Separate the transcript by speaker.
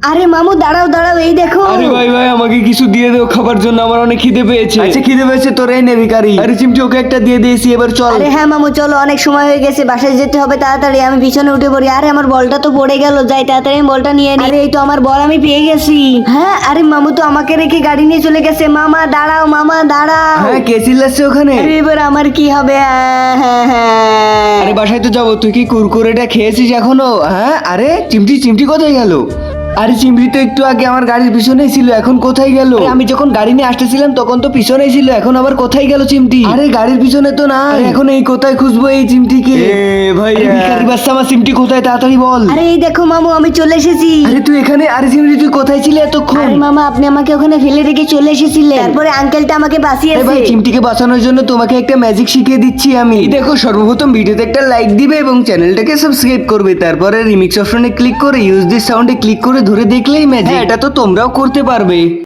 Speaker 1: আরে মামু দাঁড়াও দাঁড়াও, এই দেখো।
Speaker 2: আরে ভাই ভাই আমাকে কিছু দিয়ে দাও খাবার জন্য, আমার অনেক খিদে পেয়েছে।
Speaker 3: আচ্ছা খিদে পেয়েছে তোর, এই নে ভিখারি।
Speaker 2: আরে চিমটি ওকে একটা দিয়ে দিয়েছি, এবার চল।
Speaker 1: আরে হ্যাঁ মামু চলো, অনেক সময় হয়ে গেছে, বাসায় যেতে হবে তাড়াতাড়ি। আমি পিছনে উঠে পড়ি। আরে আমার বলটা তো পড়ে গেল, যাই তাড়াতাড়ি আমি বলটা নিয়ে নিই। আরে এই তো আমার বল আমি পেয়ে গেছি। হ্যাঁ আরে মামু তো আমাকে রেখে গাড়ি নিয়ে চলে গেছে। মামা দাঁড়াও, মামা দাঁড়াও।
Speaker 3: হ্যাঁ কে চিল্লাচ্ছে ওখানে?
Speaker 1: আরে এবার আমার কি হবে? হ্যাঁ হ্যাঁ।
Speaker 3: আরে বাসায় তো যাবো, তুই কি কুরকুরেটা খেয়েছিস এখনো? হ্যাঁ আরে চিমটি চিমটি কোথায় গেল? আরে চিমটি তো একটু আগে আমার গাড়ির পিছনেই ছিল, এখন কোথায় গেল? আরে আমি যখন গাড়ি নিয়ে আসতেছিলাম তখন তো পিছনেই ছিল, এখন আবার কোথায় গেল চিমটি? আরে গাড়ির পিছনে তো না, এখন এই কোথায় খুঁজবো এই চিমটিকে?
Speaker 2: ভাই
Speaker 3: আরে ভিখারি বাচ্চা, আমার চিমটি কোথায় তাড়াতাড়ি বল।
Speaker 1: আরে এই দেখো মামু, আমি চলে এসেছি।
Speaker 3: আরে তুই এখানে? আরে চিমটি তুই কোথায় ছিলে এতক্ষণ?
Speaker 1: আরে মামা আপনি আমাকে ওখানে ফেলে রেখে চলে এসেছিলেন, তারপরে আঙ্কেলটা আমাকে
Speaker 3: আরে
Speaker 1: বাঁচিয়েছে।
Speaker 3: ভাই চিমটিকে বাঁচানোর জন্য তোমাকে একটা ম্যাজিক শিখিয়ে দিচ্ছি আমি। এই দেখো, সর্বপ্রথম ভিডিওতে একটা লাইক দিবে এবং চ্যানেলটাকে সাবস্ক্রাইব করবে, তারপরে রিমিক্স অপশনে ক্লিক করে ইউজ দিস সাউন্ডে ক্লিক করে ধরে দেখলেই ম্যাজিক। এটা তো তোমরাও করতে পারবে।